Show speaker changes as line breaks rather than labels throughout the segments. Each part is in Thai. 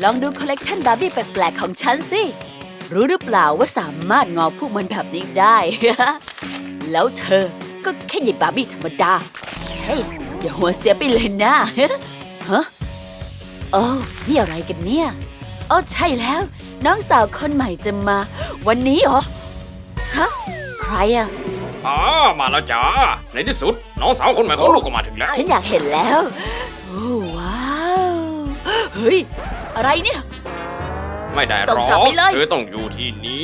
ลองดูคอลเลกชันบาร์บี้แปลกๆของฉันสิรู้หรือเปล่าว่าสามารถงอพวกมันแบบนี้ได้ แล้วเธอก็แค่หยิบบาร์บี้ธรรมดาเฮ้ยอย่าหัวเสียไปเลยนะ ฮะโอ้นี่อะไรกันเนี่ยอ๋อใช่แล้วน้องสาวคนใหม่จะมาวันนี้เหรอฮะใครอะ
มาแล้วจ้าในที่สุดน้องสาวคนใหม่ของลูกก็มาถึงแล้ว
ฉันอยากเห็นแล้วโอ้ว้าวเฮ้ยอะไรเนี่ย
ไม่ได้หร
ส่ง
อก
ลับไปเลย
เธอต้องอยู่ที่นี่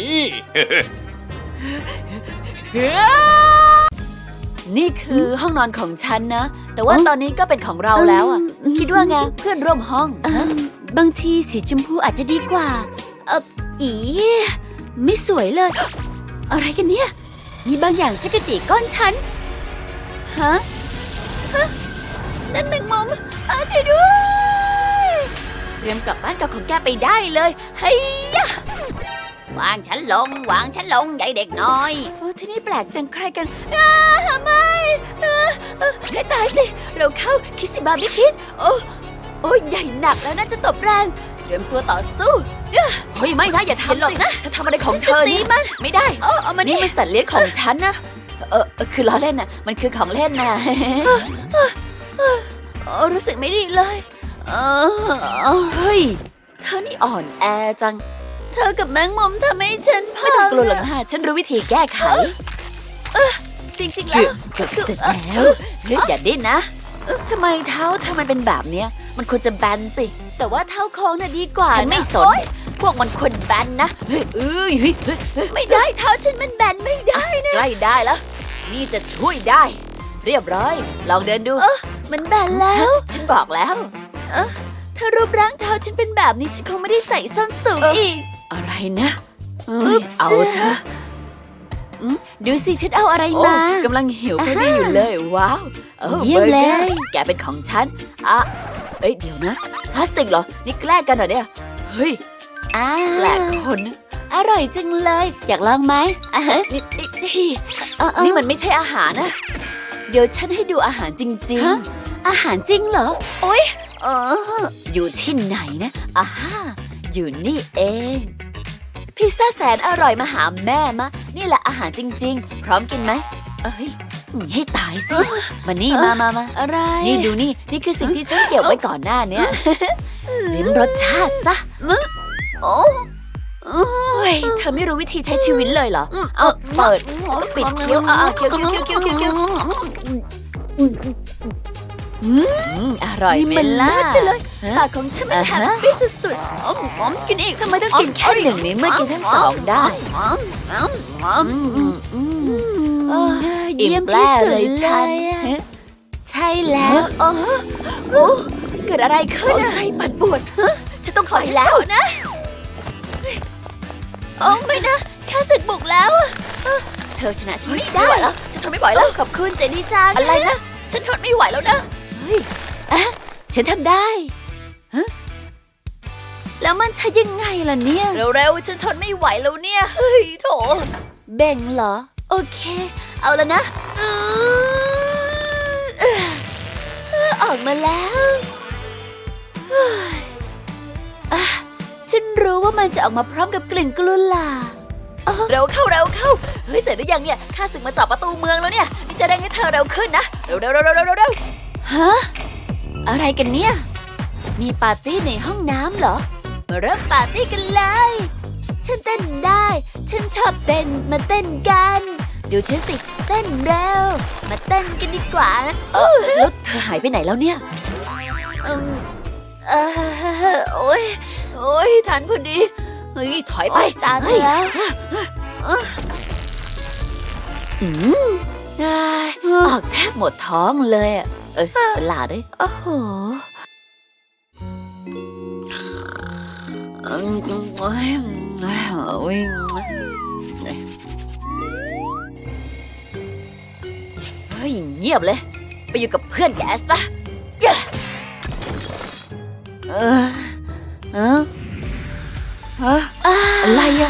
นี่คือห้องนอนของฉันนะแต่ว่าตอนนี้ก็เป็นของเราแล้วอ่ะคิดว่าไงเพื่อนร่วมห้องบางทีสีชมพูอาจจะดีกว่าอีไม่สวยเลย อะไรกันเนี่ยมีบางอย่างจะกระจีก้อนฉันฮะนั่นแมงมุมช่วยด้วยเตรียมกลับบ้านกับของแกไปได้เลยเฮ้ยวางฉันลงใหญ่เด็กน้อยโอ้ที่นี่แปลกจังใครกันไม่ให้ตายสิเราเข้าคิดสิบาร์บี้คิดโอ้ใหญ่หนักแล้วน่าจะตบแรงเตรียมตัวต่อสู้เฮ้ยไม่นะอย่าทำหรอกนะถ้าทำอะไรของเธอนี่มันไม่ได้เอามานี่มันสัตว์เลี้ยงของฉันนะคือล้อเล่นน่ะมันคือของเล่นน่ะรู้สึกไม่ดีเลยเฮ้ยเธอนี่อ่อนแอจังเธอกับแมงมุมทำให้ฉันพังไม่ต้องกลัวหรอกนะฉันรู้วิธีแก้ไขจริงๆแล้วเกือบเสร็จแล้วอย่าดิ้นนะทำไมเท้าเธอมันเป็นแบบเนี้ยมันควรจะแบนสิแต่ว่าเท้าโค้งน่ะดีกว่าฉันไม่สนพวกมันควรแบนนะไม่ได้เท้าฉันมันแบนไม่ได้นะใกล้ได้แล้วนี่จะช่วยได้เรียบร้อยลองเดินดูมันแบนแล้วฉันบอกแล้วถ้ารูปร่างเท้าฉันเป็นแบบนี้ฉันคงไม่ได้ใส่ส้นสูงอีกอะไรนะเอาเถอะดูสิฉันเอาอะไรมากำลังหิวพอดีอยู่เลยว้าวเยี่ยมเลยแกเป็นของฉันเดี๋ยวนะพลาสติกเหรอนี่แกล้งกันเหรอเนี่ยเฮ้ยแปลกคนอร่อยจังเลยอยากลองไหมนี่มันไม่ใช่อาหารนะเดี๋ยวฉันให้ดูอาหารจริงๆอาหารจริงเหรอโอ๊ยอยู่ที่ไหนนะอยู่นี่เองพิซซ่าแสนอร่อยมาหาแม่มะนี่แหละอาหารจริงๆพร้อมกินไหมให้ตายสิมานี่มาอะไรนี่ดูนี่คือสิ่งที่ฉันเก็บไว้ก่อนหน้าเนี้ยลิ้มรสชาติซะเธอไม่รู้วิธีใช้ชีวิตเลยเหรอเอาเปิดปิดเคี้ยวเคี้ยวอร่อยไหมล่ะปากของฉันมันแฮปปี้สุดๆกินอีกทำไมต้องกินแค่หนึ่งนี้เมื่อกินทั้งสองได้เยี่ยมที่สุดเลยฉันใช่แล้วเกิดอะไรขึ้นไส้ปั่นปวดฉันต้องขอแล้วนะไม่นะแค่สึกบุกแล้วเธอชนะฉันไม่ได้แล้วฉันทนไม่ไหวแล้วขอบคุณเจนี่จังอะไรนะฉันทนไม่ไหวแล้วนะฉันทำได้แล้วมันใช้ยังไงล่ะเนี่ยเร็วๆฉันทนไม่ไหวแล้วเนี่ยเฮ้ยโถเบ่งเหรอโอเคเอาแล้วนะออกมาแล้วฉันรู้ว่ามันจะออกมาพร้อมกับกลิ่นกลุหลาบเร็วเข้าเฮ้ยเสร็จหรือยังเนี่ยข้าศึกมาจับประตูเมืองแล้วเนี่ยนี่จะได้ให้เธอเร็วขึ้นนะเร็วฮะอะไรกันเนี่ยมีปาร์ตี้ในห้องน้ำเหรอมาเริ่มปาร์ตี้กันเลยฉันเต้นได้ฉันชอบเต้นมาเต้นกันดูฉันสิเต้นเร็วมาเต้นกันดีกว่านะแล้วเธอหายไปไหนแล้วเนี่ยโอ้ยทันพอดีเฮ้ยถอยไปตามเธอแล้วออกแทบหมดท้องเลยเป็นหลาด้วยโอ้โหเฮ้ยเงียบเลยไปอยู่กับเพื่อนแกซะอะไรอะ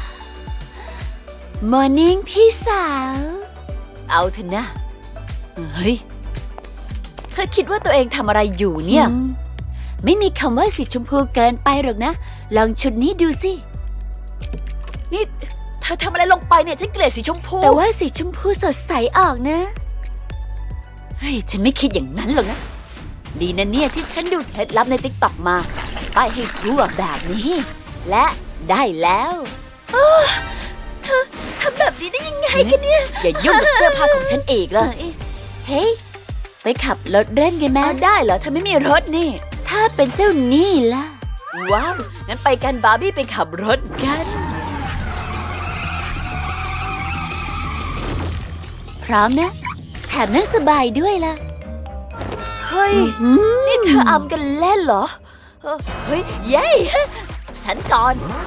มอร์นิ่งพี่สาวเอาเถอะนะเฮ้ยเธอคิดว่าตัวเองทำอะไรอยู่เนี่ยไม่มีคำว่าสีชมพูเกินไปหรอกนะ ลองชุดนี้ดูสิ
นี่เธอทำอะไรลงไปเนี่ยฉันเกลียดสีชมพู
แต่ว่าสีชมพูสดใสออกนะ เฮ้ย ฉันไม่คิดอย่างนั้นหรอกนะ ดีนะเนี่ยที่ฉันดูเคล็ดลับในติ๊กต็อกมาป้ายให้ทั่วแบบนี้ และได้แล้วเธอทำแบบนี้ได้ยังไงกันเนี่ย อย่ายุ่งกับเสื้อผ้าของฉันอีกเลยเฮ้ย ไปขับรถเล่นกันไหม
ได้เหรอเธอไม่มีรถนี่
ถ้าเป็นเจ้านี่ล่ะ
ว้าวงั้นไปกันบาร์บี้ไปขับรถกัน
พร้อมนะ แถมนั่งสบายด้วยล่ะ
เฮ้ย นี่เธออำกันเล่นเหรอเฮ้ยเย้ฉันก่อน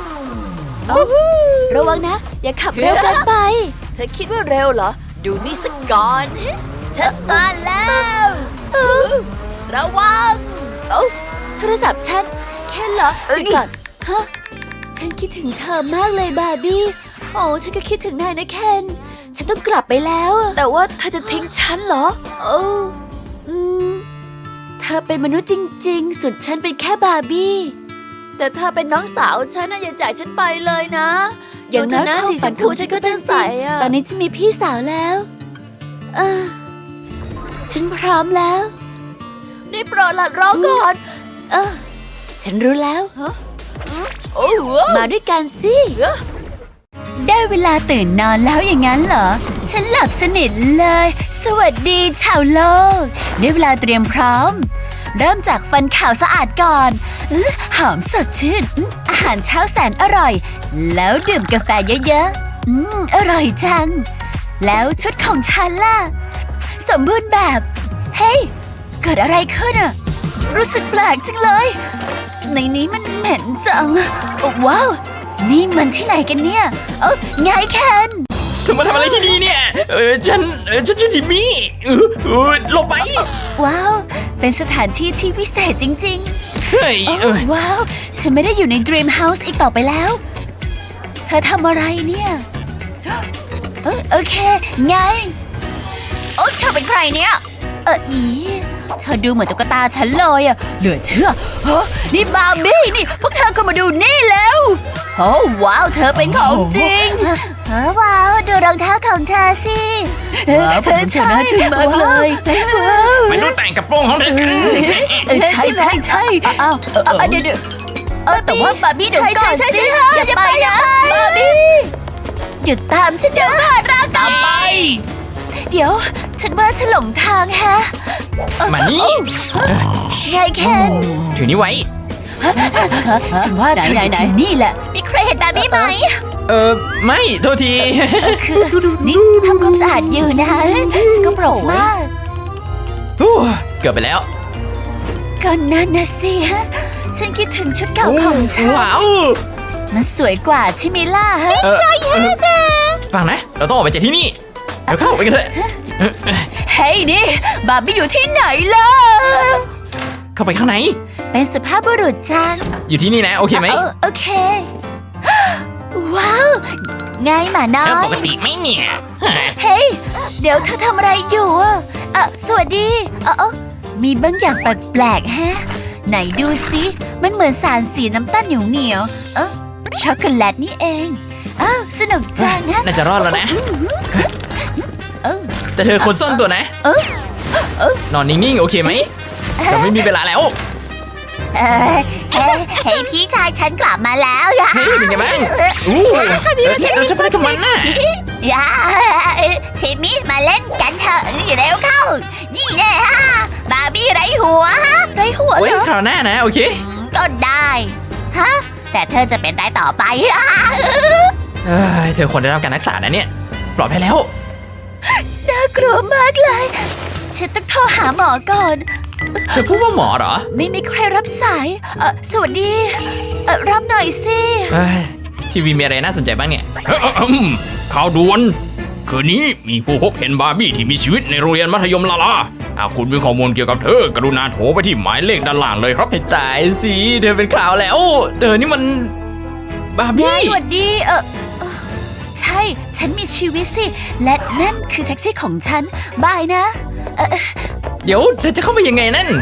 ระวังนะ อย่าขับเร็วเกินไป
เธอคิดว่าเร็วเหรอ ดูนี่สักก่อนฉันมาแล้วระวัง
โทรศัพท์ฉันแค่เหรอหยุดก่อนฮะฉันคิดถึงเธอมากเลยบาร์บี้ โอ้ฉันก็คิดถึงนายนะเคนฉันต้องกลับไปแล้วอะ
แต่ว่าเธอจะทิ้งฉันเหรอ
โอ้อืมเธอเป็นมนุษย์จริงๆ ส่วนฉันเป็นแค่บาร์บี้
แต่เธอเป็นน้องสาวฉันนะอย่าจ่ายฉันไปเลยนะ
อย่างน้อย
ดูเถะ
ความ
สีช
ฝัน
ม
ข
พู
อง
ฉั
ฉั
น
น
ก็
ก็
จะ
จะ
ใส
ใส
อะ
ตอนนี้ฉันมีพี่สาวแล้วเออฉันพร้อมแล้ว
นี่โปรดหลัดรอก่อน
เออฉันรู้แล้ว
โอ้โห
มาด้วยกันสิ ได้เวลาตื่นนอนแล้วอย่างนั้นเหรอ ฉันหลับสนิทเลย สวัสดีชาวโลก ได้เวลาเตรียมพร้อม เริ่มจากฟันขาวสะอาดก่อนหอมสดชื่นอาหารเช้าแสนอร่อย แล้วดื่มกาแฟเยอะๆอร่อยจัง แล้วชุดของฉันล่ะ สมบูรณ์แบบ เฮ้ย เกิดอะไรขึ้นอะรู้สึกแปลกจังเลย ในนี้มันเหม็นจังว้าว นี่มันที่ไหนกันเนี่ย ไงแคน
เธอมาทำอะไรที่นี่เนี่ย ฉันชื่อทิมมี่หลบไป
ว้าว เป็นสถานที่ที่วิเศษจริง
เฮ้ย
ๆ ว้าว ฉันไม่ได้อยู่ใน Dream House อีกต่อไปแล้ว เธอทำอะไรเนี่ยโอเค ไง โอ๊ยเธอเป็นใครเนี่ยอีเธอดูเหมือนตุ๊กตาฉันเลยอะเหลือเชื่อนี่บาร์บี้นี่ พวกเธอก็มาดูนี่แล้วโอ้ว้าว เธอเป็นของจริงว้าว ดูรองเท้าของเธอสิเธอชนะชื่นมากเลยว้าว
มาดูแต่งกระโปรงของเธอกัน
ใช่อ้าวเดี๋ยวแต่ว่าบาร์บี้เดี๋ยวก่อนสิอย่าไปนะบาร์บี้หยุดตามฉันเดี๋ยวก่อนรักตามไป เดี๋ยว ฉันว่าฉันหลงทางแฮะ
มานี่
ไงเคน
ถือนี้ไว้
ฉันว่าเธออยู่ที่นี่แหละ มีใครเห็นแบบนี้ไหม
ไม่โทษที
นี่ทำความสะอาดอยู่นะสกปรกมาก
เกือบไปแล้ว
ก็นั่นนะสิฮะ ฉันคิดถึงชุดเก่าของเธอ
ว้าว
มันสวยกว่าใช่ไหมล่ะฮะ
ฟังนะ เราต้องออกไปจากที่นี่เดี๋ยวเข้าไปกันเถอะ
เฮ้ยนี่ บาร์บี้อยู่ที่ไหนล่ะ
เข้าไปข้างใน
เป็นสุภาพบุรุษจัง
อยู่ที่นี่นะ โอเคไหม
โอเค ว้าว ไงหมาน้อ
แล้วป
ย
กติไหมเนี่ย
เฮ้ย เดี๋ยวเธอทำอะไรอยู่อะสวัสดีมีบางอย่างแปลกๆแฮะ ไหนดูสิ มันเหมือนสารสีน้ำตาลเหนียวๆช็อกโกแลตนี่เองสนุกจังนะ
น่าจะรอดแล้วนะ
เออ
แต่เธอคนซ่อนตัวนะ นอนนิ่งๆ โอเคไหมเราไม่มีเวลาแล้ว
เฮ้ยพี่ชายฉันกลับมาแล้วอะ
เฮ้ยเป็นไงบ้างเราจะไปกับมันน่ะ
อย่าทีมมี่มาเล่นกันเถอะเร็วเข้า นี่แน่ฮะบาร์บี้ไร้หัวไร้หัว
โอ้ย
เหรอ
คราวหน้านะ โอเค
ก็ได้ฮะแต่เธอจะเป็นไรต่อไป
เธอควรได้รับการรักษานะเนี่ย ปลอดภัยแล้ว
น่ากลัวมากเลยฉันต้องโทรหาหมอก่อน
เธอพูดว่าหมอเหรอ
ไม่มีใครรับสายสวัสดีรับหน่อยสิ
ทีวีมีอะไรน่าสนใจบ้างเนี่ย
ข่าวด่วน คืนนี้มีผู้พบเห็นบาร์บี้ที่มีชีวิตในโรงเรียนมัธยมลาลาหากคุณมีข้อมูลเกี่ยวกับเธอกรุณาโทรไปที่หมายเลขด้านล่างเลยครับ
ให้ตายสิเธอเป็นข่าวแล้วเธอนี่มันบาร์บี้
สวัสดีใช่ ฉันมีชีวิตสิ และนั่นคือแท็กซี่ของฉัน บายนะ
เดี๋ยวเธอจะเข้าไปยังไงนั่น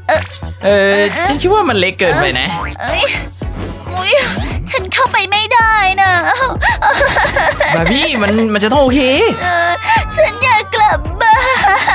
ฉันคิดว่ามันเล็กเกินไปนะ
เอ้ยอุ๊ยฉันเข้าไปไม่ได้นะ
บาร์บี้มันจะต้องโอเค
ฉันอยากกลับบ้าน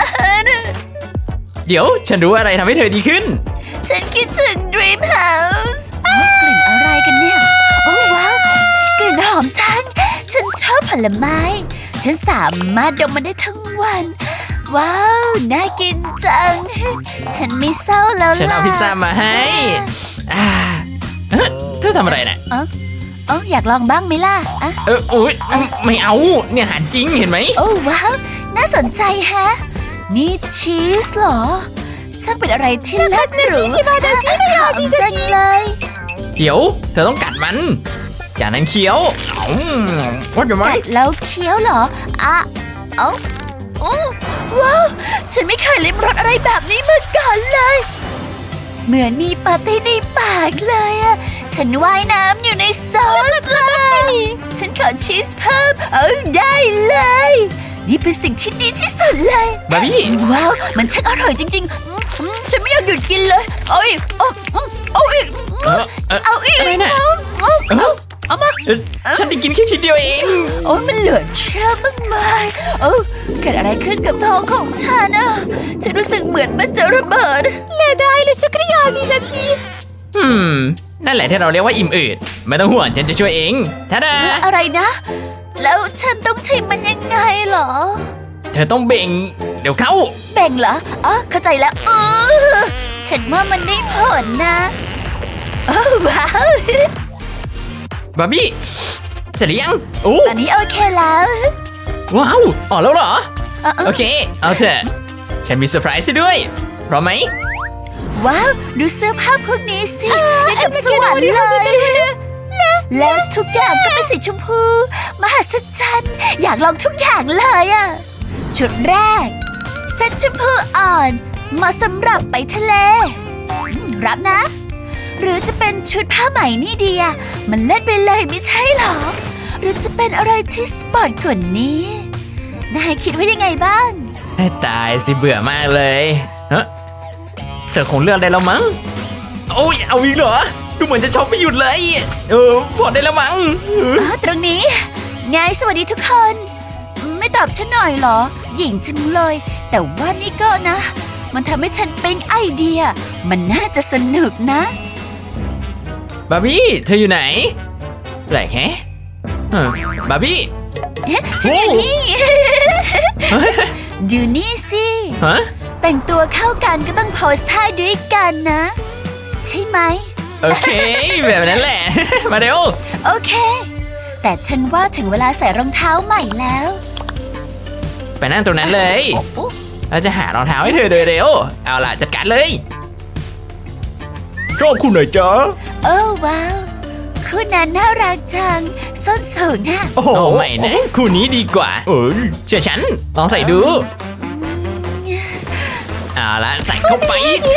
เดี๋ยวฉันรู้อะไรทำให้เธอดีขึ้น
ฉันคิดถึง Dream House กลิ่นอะไรกันเนี่ย โอ้ว้าว กลิ่นหอมจัง ฉันชอบผลไม้ ฉันสามารถดมมันได้ทั้งวัน ว้าว น่ากินจัง ฉันไม่เศร้าแล้วล่ะ
ฉันเอาพิซซ่ามาให้อ่าเอ๊ะเธอทำอะไรน่ะ
อยากลองบ้างไหมล่ะอะ
อุ๊ยไม่เอา เนี่ยอาหารจริงเห็นไหม
โอ้ว้าว น่าสนใจแฮะ นี่ชีสเหรอช่างเป็นอะไรที่เลิศหรูหอมจังเลย
เดี๋ยว เธอต้องกัดมัน จากนั้นเคี้ยวว่าจะไหม
กัดแล้วเคี้ยวเหรออ่ะเอ้าโอ้ว้าว ฉันไม่เคยลิ้มรสอะไรแบบนี้มาก่อนเลย เหมือนมีปาร์ตี้ในปากเลยอะฉันว่ายน้ำอยู่ในซอสเลยฉันขอชีสเพิ่มได้เลย นี่เป็นสิ่งที่ดีที่สุดเลย
บาร์บี้
ว้าว มันช่างอร่อยจริงๆฉันไม่อยากหยุดกินเลย เอาอีก เอาอีก เอาอีก
อะไรน่ะ
เอามา
ฉันได้กินแค่ชิ้นเดียวเอง
โอ้ยมันเหลือเชื่อมากมายเกิดอะไรขึ้นกับท้องของฉันอะฉันรู้สึกเหมือนมันจะระเบิดเลได้เลยชุกริยาสิสักที
นั่นแหละที่เราเรียกว่าอิ่มอืดไม่ต้องห่วงฉันจะช่วยเองท่าดา
อะไรนะ แล้วฉันต้องชิมมันยังไงเหรอ
เธอต้องเบ่ง เดี๋ยวเข้า
แบ่งเหรอเข้าใจแล้วฉันว่ามันได้ผลนะว้าว
บาร์บี้ เสร็จหรือยังโอ้
ตอนนี้โอเคแล้ว
ว้าวออกแล้วเหรอ
เออ
โอเค เอาเถอะ ฉันมีเซอร์ไพรส์ให้ด้วย พร้อมไหม
ว้าว ดูเสื้อผ้าพวกนี้สิได้กับสวรรค์เลยและทุกอย่างก็เป็นสีชมพู มหัศจรรย์อยากลองทุกอย่างเลยอะชุดแรก เซ็ตชมพูอ่อนเหมาะสำหรับไปทะเลรับนะ หรือจะเป็นชุดผ้าไหมนี่ดีอะมันเล่นไปเลยไม่ใช่หรอ หรือจะเป็นอะไรที่สปอร์ตกว่านี้ นายคิดว่ายังไงบ้าง
ให้ตายสิเบื่อมากเลยเฮ้เธอคงเลือกได้แล้วมั้ง โอ้ยเอาอีกเหรอ ดูเหมือนจะช็อปไม่หยุดเลย พอได้แล้วมั้ง
ตรงนี้ไงสวัสดีทุกคน ไม่ตอบฉันหน่อยเหรอ หญิงจังเลย แต่ว่านี่ก็นะ มันทำให้ฉันเป็นไอเดีย มันน่าจะสนุกนะ
บาร์บี้ เธออยู่ไหนแปลกแฮะบาร์บี้
ฉันอยู่นี่ ดูนี่สิ
ฮะ
แต่งตัวเข้ากันก็ต้องโพสท่าด้วยกันนะ ใช่ไหม
โอเค แบบนั้นแหละ มาเร็ว
โอเค แต่ฉันว่าถึงเวลาใส่รองเท้าใหม่แล้ว
ไปนั่งตรงนั้นเลย เราจะหารองเท้าให้เธอโดยเร็ว เอาล่ะจัดการเลย
ชอบคุณหน่อยจ๊ะ
ว้าวคู่นั้นน่ารักจัง ส้นสูงน่ะ
โอ้โห
โอ้ไม่นะคู่นี้ดีกว่า
เอ้ย
เชื่อฉัน ลองใส่ดู เอาละใส่เข้าไป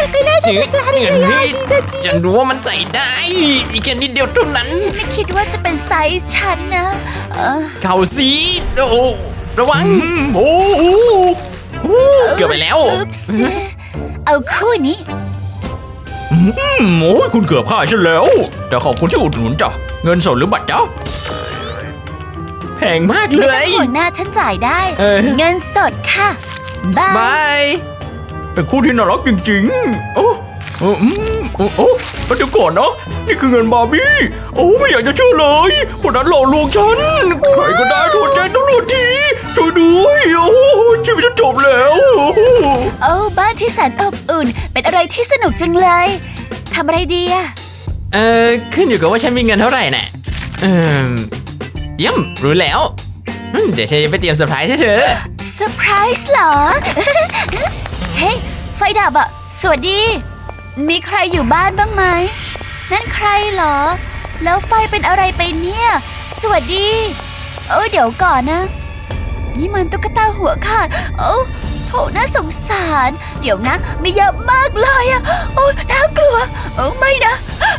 ฉันรู้ว่ามันใส่ได้ อีกแค่นิดเดียวเท่านั้น
ฉันไม่คิดว่าจะเป็นไซส์ฉันนะ
เข่าสีโอ้ระวัง
โอ้โห
เกือบไปแล้ว
อุ๊ปส์เอาคู่นี้
โอ้ยคุณเกือบฆ่าฉันแล้ว แต่ขอบคุณที่อุดหนุนจ้ะ เงินสดหรือบัตรจ๊ะ
แพงมากเล
ไม่ต้อง
ย
ห่วงหน้าฉันจ่ายได้ เงินสดค่ะ บาย
บาย
เป็นคู่ที่น่ารักจริงๆ โอ้เดี๋ยวก่อนนะ นี่คือเงินบาร์บี้ โอ้ไม่อยากจะเชื่อเลย คนนั้นหลอกลวงฉัน ใครก็ได้โทรแจ้งตำรวจทีช่วยด้วยโอ้ชีวิตจะจบแล้ว
บ้านที่แสนอบอุ่น เป็นอะไรที่สนุกจังเลย ทำอะไรดีอะ
ขึ้นอยู่กับว่าฉันมีเงินเท่าไหร่น่ะเยี่ยมรู้แล้ว เดี๋ยวฉันจะไปเตรียมเซอร์ไพรส์ให้เธอ
เซอร์ไพรส์เหรอ เฮ้ย ไฟดับอะสวัสดี มีใครอยู่บ้านบ้างไหม นั่นใครเหรอ แล้วไฟเป็นอะไรไปเนี่ย สวัสดี เดี๋ยวก่อนนะ นี่มันตุ๊กตาหัวขาด โถน่าสงสาร เดี๋ยวนะมีเยอะมากเลยอะน่ากลัว ไม่นะ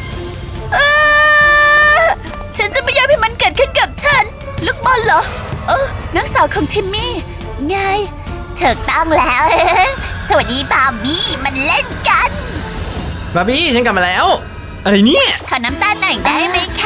ฉันจะไม่ยอมให้มันเกิดขึ้นกับฉัน ลูกบอลเหรอ นักสาวของทิมมี่ ไงถูกต้องแล้ว สวัสดีบาร์บี้มันเล่นกัน
บาร์บี้ฉันกลับมาแล้ว อะไรเนี่ย
ขอน้ำตาลหน่อยได้ไหมคะ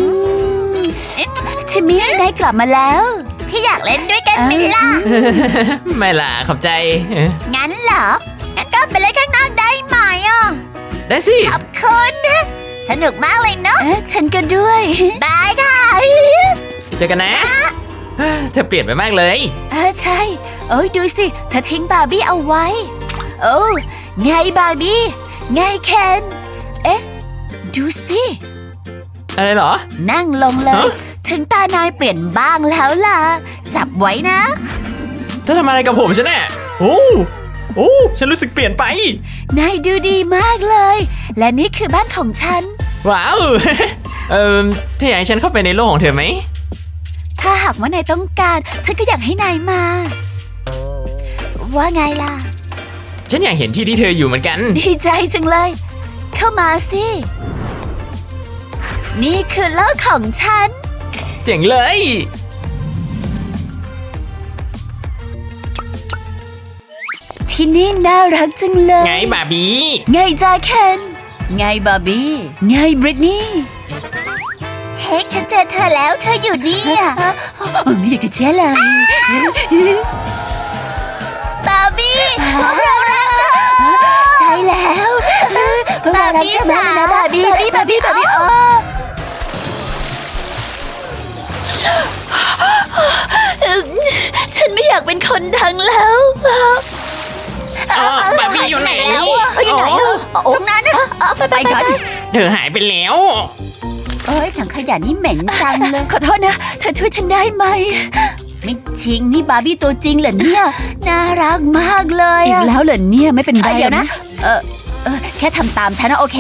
ทิมมี่ได้กลับมาแล้ว
พี่อยากเล่นด้วยกันไหมล่ะ
ไม่ล่ะขอบใจ
งั้นเหรอ งั้นก็ไปเล่นข้างนอกได้ไหมอ่ะ
ได้สิ
ขอบคุณนะสนุกมากเลยเนาะ
ฉันก็ด้วย
บายค่ะ
เจอกันนะเธอเปลี่ยนไปมากเลย
ใช่โอ้ยดูสิเธอทิ้งบาร์บี้เอาไว้ โอ้ไงบาร์บี้ไงเคนเอ๊ะ ดูสิ
อะไรเหรอ
นั่งลงเลย
ฮะ
ถึงตานายเปลี่ยนบ้างแล้วล่ะ จับไว้นะ
เธอทำอะไรกับผมฉันแน่โอ้โอ้ฉันรู้สึกเปลี่ยนไป
นายดูดีมากเลย และนี่คือบ้านของฉัน
ว้าว เธออยากให้ฉันเข้าไปในโลกของเธอไหม
ถ้าหากว่านายต้องการ ฉันก็อยากให้นายมา ว่าไงล่ะ
ฉันอยากเห็นที่ที่เธออยู่เหมือนกัน
ดีใจจังเลย เข้ามาสิ นี่คือโลกของฉัน
เจ๋งเลย
ที่นี่น่ารักจังเลย
ไงบาร์บี้
ไงจ้าเคน ไงบาร์บี้ ไงบริตนี่
เฮ้ยฉันเจอเธอแล้วเธออยู่นี่อ่ะ
ไม่อยากจะเชื่อเลย
บาร์บี้พวกเรารักเธอ
ใช่แล้วพวกเรารักเธอมากนะบาร์บี้บาร์บี้ฉันไม่อยากเป็นคนดังแล้ว
บาร์บี้อยู่ไหน
อยู่ไหนองค์นั้นไปก่อน
เธอหายไปแล้ว
เอ้ยถังขยะนี่เหม็นจังเลย ขอโทษนะ เธอช่วยฉันได้ไหม ไม่จริงนี่บาร์บี้ตัวจริงเหรอเนี่ย น่ารักมากเลยอีกแล้วเหรอเนี่ยไม่เป็นไรเดี๋ยวนะ แค่ทำตามฉันนะโอเค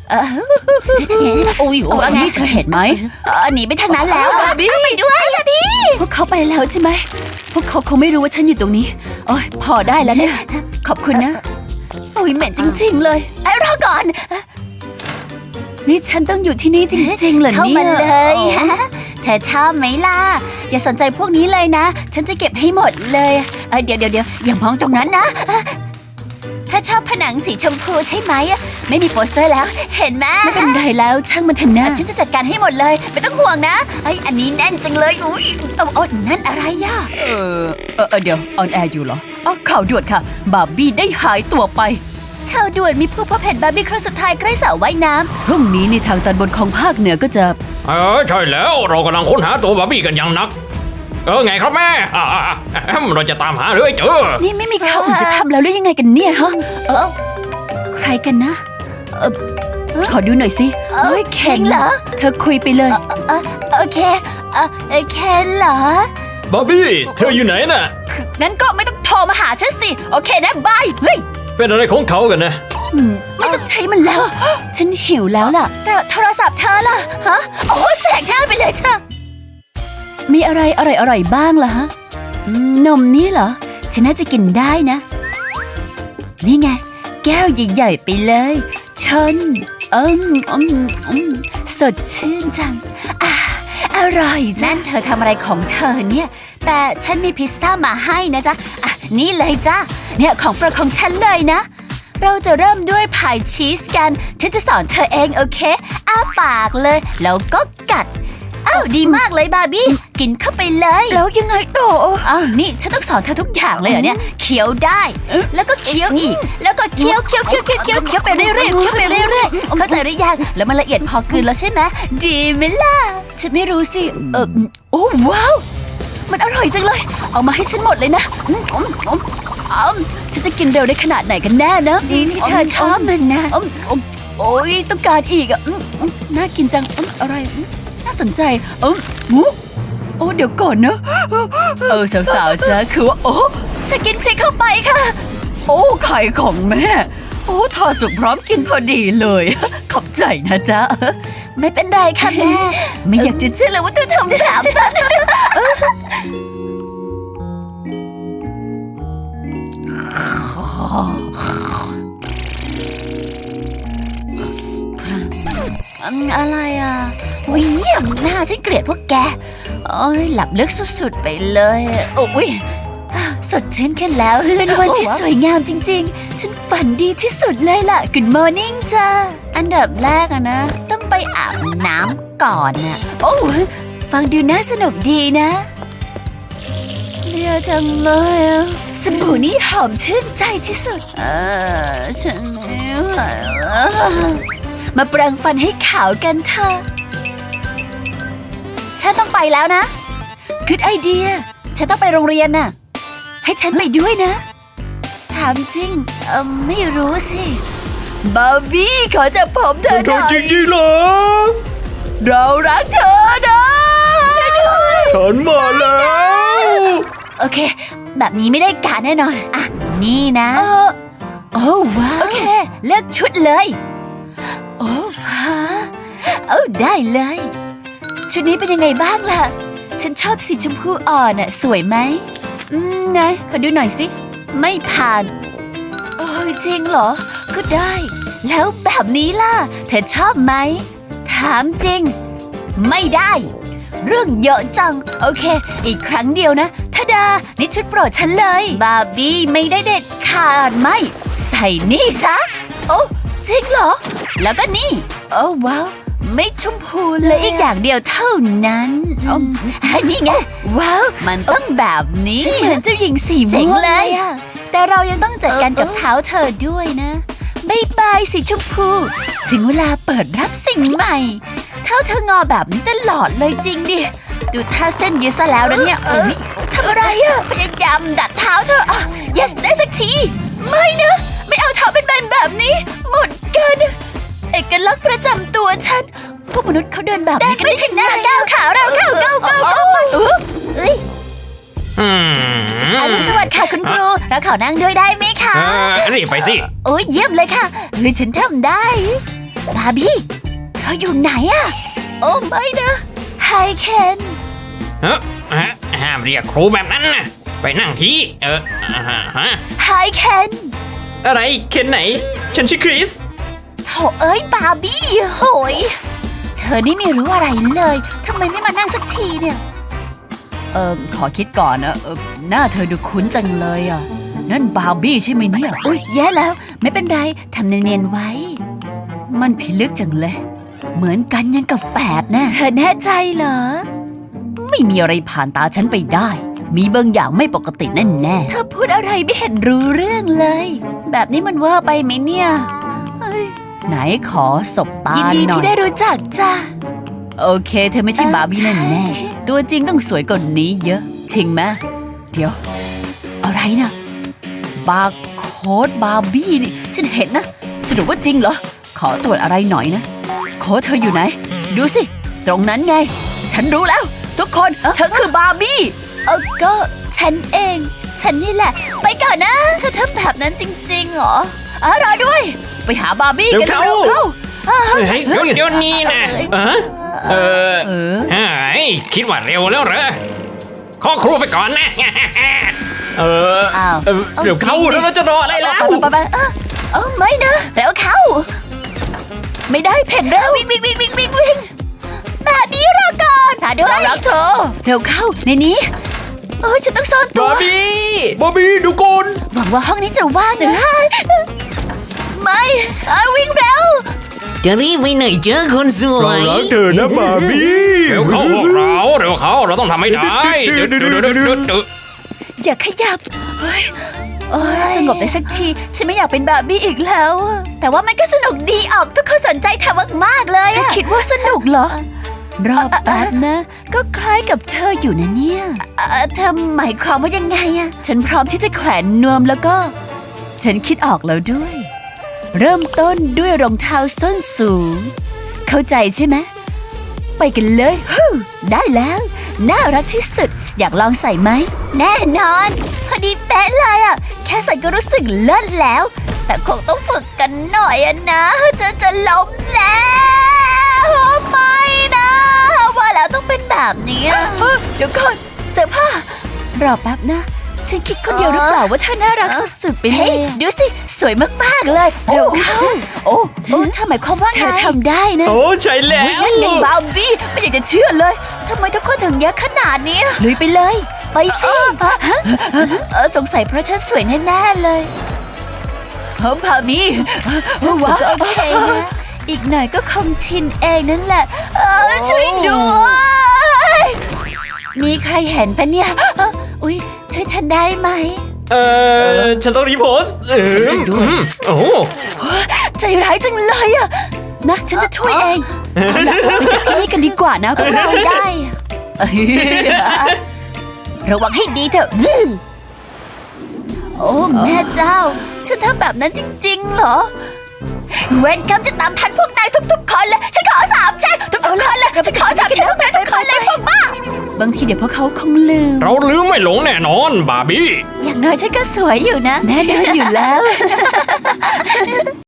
อุ้ยว่าไงเธอเห็นไหมหนีไปทางนั้นแล้วบาร์บี้ไปด้วยบาร์บี้พวกเขาไปแล้วใช่ไหมพวกเขาคงไม่รู้ว่าฉันอยู่ตรงนี้โอ้ยพอได้แล้วเนี่ยขอบคุณนะโอ้ยเหม็นจริงๆเลยรอก่อนนี่ฉันต้องอยู่ที่นี่จริงๆเหรอเนี่ย
เข้ามาเลยเธอชอบไหมล่ะ
อย่าสนใจพวกนี้เลยนะ ฉันจะเก็บให้หมดเลยเดี๋ยวอย่ามองตรงนั้นนะ ถ้าชอบผนังสีชมพูใช่ไหมไม่มีโปสเตอร์แล้ว เห็นไหมไม่เป็นไรแล้วช่างมันเถอะนะฉันจะจัดการให้หมดเลย ไม่ต้องห่วงนะอันนี้แน่นจังเลยอุ้ยนั่นอะไรย่ะเดี๋ยวออนแอร์อยู่เหรอข่าวด่วนค่ะบาร์บี้ได้หายตัวไปข่าวด่วนมีผู้พบเห็นบาร์บี้ครั้งสุดท้ายใกล้สระว่ายน้ำพรุ่งนี้ในทางตอนบนของภาคเหนือก็จะ
ใช่แล้วเรากำลังค้นหาตัวบาร์บี้กันอย่างหนัก ไงครับแม่เราจะตามหาเรื่อยเจอ
นี่ไม่มีข่าวอื่นจะทำแล้วหรือยังไงกันเนี่ยฮะใครกันนะขอดูหน่อยสิเฮ้ยเคนเหรอเธอคุยไปเลยโอเคเคนเหรอบ
าร์บี้เธออยู่ไหนน่ะ
งั้นก็ไม่ต้องโทรมาหาฉันสิโอเคนะบายเฮ้ย
เป็นอะไรของเขากันนะ
ไม่ต้องใช้มันแล้ว ฉันหิวแล้วล่ะแต่โทรศัพท์เธอล่ะฮะโอ้แสกหน้าไปเลยเธอมีอะไรอร่อยๆบ้างล่ะฮะนมนี่เหรอฉันน่าจะกินได้นะ นี่ไงแก้วใหญ่ๆไปเลยชนสดชื่นจังอร่อยนั่นเธอทำอะไรของเธอเนี่ยแต่ฉันมีพิซซ่ามาให้นะจ๊ะนี่เลยจ้ะเนี่ยของโปรดของฉันเลยนะเราจะเริ่มด้วยพายชีสกันฉันจะสอนเธอเองโอเคอ้าปากเลยแล้วก็กัดดีมากเลยบาร์บี้กินเข้าไปเลยแล้วยังไงต่อนี่ฉันต้องสอนเธอทุกอย่างเลยเหรอเนี่ยเคี้ยวได้แล้วก็เคี้ยวอีกแล้วก็เคี้ยวไปเรื่อยๆเข้าใจหรือยังแล้วมันละเอียดพอกลืนแล้วใช่ไหมดีไหมล่ะฉันไม่รู้สิโอ้ว้าวมันอร่อยจังเลยเอามาให้ฉันหมดเลยนะฉันจะกินเร็วได้ขนาดไหนกันแน่นะดีที่เธอชอบมันนะโอ้ยต้องการอีกน่ากินจังอะไรน่าสนใจเดี๋ยวก่อนนะสาวๆจ้าคือว่าเธอกินพริกเข้าไปค่ะไข่ของแม่ทอดสุกพร้อมกินพอดีเลยขอบใจนะจ๊ะไม่เป็นไรค่ะแม่ไม่อยากจะเชื่อเลยว่าเธอทำแบบนั้นอะไรวิ่งเยี่ยมหน้าฉันเกลียดพวกแกหลับลึกสุดๆไปเลยสดชื่นขึ้นแล้วเป็นวันที่สวยงามจริงๆ ฉันฝันดีที่สุดเลยล่ะ Good morning จ้าอันดับแรกอะนะ ต้องไปอาบน้ำก่อนน่ะโอ้ฟังดูน่าสนุกดีนะเลียจังเลยอะสบู่นี่หอมชื่นใจที่สุดฉันไม่ไหวแล้วมาแปรงฟันให้ขาวกันเถอะฉันต้องไปแล้วนะGood idea ฉันต้องไปโรงเรียนน่ะให้ฉันไปด้วยนะถามจริงไม่รู้สิบาร์บี้ขอจับผมเธอห
เธ
น่
อ
อย
จริงๆเหรอ
เรารักเธอนะช่วยด้วย
ฉันมาแล้ว
โอเคแบบนี้ไม่ได้การแน่นอนอ่ะนี่นะโอ้ว้าวโอเคเลือกชุดเลยโอ้ฮะได้เลยชุดนี้เป็นยังไงบ้างล่ะฉันชอบสีชมพูอ่อนน่ะสวยไหมไงขอดูหน่อยสิไม่ผ่านโอ้ยจริงเหรอก็ได้แล้วแบบนี้ล่ะเธอชอบไหมถามจริงไม่ได้เรื่องเยอะจังโอเคอีกครั้งเดียวนะทะดานี่ชุดโปรดฉันเลยบาร์บี้ไม่ได้เด็ดขาดไม่ใส่นี่ซะโอ้จริงเหรอแล้วก็นี่โอ้ว้าวไม่ชมพูเลยอีกอย่างเดียวเท่านั้นนี่ไงว้าวมันต้องแบบนี้เหมือนเจ้าหญิงสีม่วงเลยแต่เรายังต้องจัดการกับเท้าเธอด้วยนะบายบายสีชมพูถึงเวลาเปิดรับสิ่งใหม่เท้าเธองอแบบนี้ตลอดเลยจริงดิดูท่าเส้นยืดซะแล้วนะเนี่ยทำอะไรอะพยายามดัดเท้าเธอyes ได้สักทีไม่นะไม่เอาเท้าเป็นแบนแบบนี้หมดกันเอกลักษณ์ประจำตัวฉันพวกมนุษย์เขาเดินแบบนี้กันไม่ถึงหน้าก้าวขาเราเข้าเอ้ยอรุณสวัสดิ์ค่ะคุณครูเราขอนั่งด้วยได้ไหมคะ
รีบไปสิ
โอ้ยเยี่ยมเลยค่ะฉันทำได้บาร์บี้เธออยู่ไหนอะโอ้ไม่นะไฮเคน
ห้ามเรียกครูแบบนั้นนะไปนั่งที่
ไฮเคน
อะไรเคนไหน ฉันชื่อคริส
โถเอ้ยบาร์บี้โหยเธอนี่ไม่รู้อะไรเลยทำไมไม่มานั่งสักทีเนี่ยขอคิดก่อนนะหน้าเธอดูคุ้นจังเลยอ่ะนั่นบาร์บี้ใช่ไหมเนี่ยอุ้ยแย่แล้วไม่เป็นไรทำเนียนๆไว้มันพิลึกจังเลยเหมือนกันยังกับแฝดนะเธอแน่ใจเหรอไม่มีอะไรผ่านตาฉันไปได้มีบางอย่างไม่ปกติแน่ๆเธอพูดอะไรไม่เห็นรู้เรื่องเลยแบบนี้มันเวอร์ไปไหมเนี่ยไหนขอสบตาหน่อยยินดีที่ได้รู้จักจ้าโอเคเธอไม่ใช่บาร์บี้แน่ๆตัวจริงต้องสวยกว่านี้เยอะจริงไหมเดี๋ยวอะไรนะบาร์โค้ดบาร์บี้นี่ฉันเห็นนะสรุปว่าจริงเหรอขอตรวจอะไรหน่อยนะโค้ดเธออยู่ไหนดูสิตรงนั้นไงฉันรู้แล้วทุกคนเธอคือบาร์บี้ก็ฉันเองฉันนี่แหละไปก่อนนะเธอทำแบบนั้นจริงๆเหรอรอด้วยไปหาบาร์บี้กันเร็วเข้า
เฮ้ยเดี๋ยวนี้นะคิดว่าเร็วแล้วเหรอขอครูไปก่อนนะ
เดี๋ยวเข้าแล้วเราจะรออะไรแล้ว
ไปไม่นะเร็วเข้าไม่ได้เพ่นเร็ววิ่งแบบนี้รอก่อนหาด้วยรักเธอเร็วเข้าในนี้ฉันต้องซ่อนตัว
บาร์บี้ดูก่อน
หวังว่าห้องนี้จะว่างนะไม่วิ่งเร็ว
จะรีบไปไหนเจอคนสว
ยเรารักเธอนะบาร์บี้
เร็วเข้าพวกเราต้องทำให้ได้
อย่าขยับสงบได้สักทีฉันไม่อยากเป็นบาร์บี้อีกแล้วแต่ว่ามันก็สนุกดีออกทุกคนสนใจเธอมากๆเลยคิดว่าสนุกเหรอรอบแป๊บนะก็คล้ายกับเธออยู่นะเนี่ยเธอหมายความว่ายังไงอะฉันพร้อมที่จะแขวนนวมแล้วก็ฉันคิดออกแล้วด้วยเริ่มต้นด้วยรองเท้าส้นสูงเข้าใจใช่ไหมไปกันเลยได้แล้วน่ารักที่สุดอยากลองใส่ไหมแน่นอนพอดีเป๊ะเลยอ่ะแค่ใส่ก็รู้สึกเลิศแล้วแต่คงต้องฝึกกันหน่อยนะจะล้มแล้วไม่นะว่าแล้วต้องเป็นแบบนี้เดี๋ยวก่อนเสื้อผ้ารอแป๊บนะฉันคิดคนเดียวหรือเปล่าว่าเธอน่ารักสุดๆไปเลยดูสิสวยมากๆเลยเร็วเข้าโอ้เธอหมายความว่าไงเธอทำได้นะ
ใช่แล้ว
นั่นไงบาร์บี้ไม่อยากจะเชื่อเลยทำไมทุกคนถึงเยอะขนาดนี้ลุยไปเลยไปสิสงสัยเพราะฉันสวยแน่ๆเลยพามีว้าวโอเคนะอีกหน่อยก็คงชินเองนั่นแหละช่วยด้วยมีใครเห็นปะเนี่ยอุ๊ยช่วยฉันได้ไหม
ฉันต้องรีโพสต์โอ้
ใจร้ายจังเลยอะนะฉันจะช่วยเองเอาล่ะไปจากที่นี่กันดีกว่านะพวกเราได้ระวังให้ดีเถอะโอ้แม่เจ้าฉันทำแบบนั้นจริงๆเหรอเวนกัมจะตามทันพวกนายทุกๆคนเลยฉันขอสาบแช่งทุกๆคนเลยฉันขอสาบแช่งพวกนายทุกคนเลยพวกบ้าบางทีเดี๋ยวพวกเขาคงลืม
เราลืมไม่หลงแน่นอนบาร์บี้
อย่างน้อยฉันก็สวยอยู่นะแน่นอนอยู่แล้ว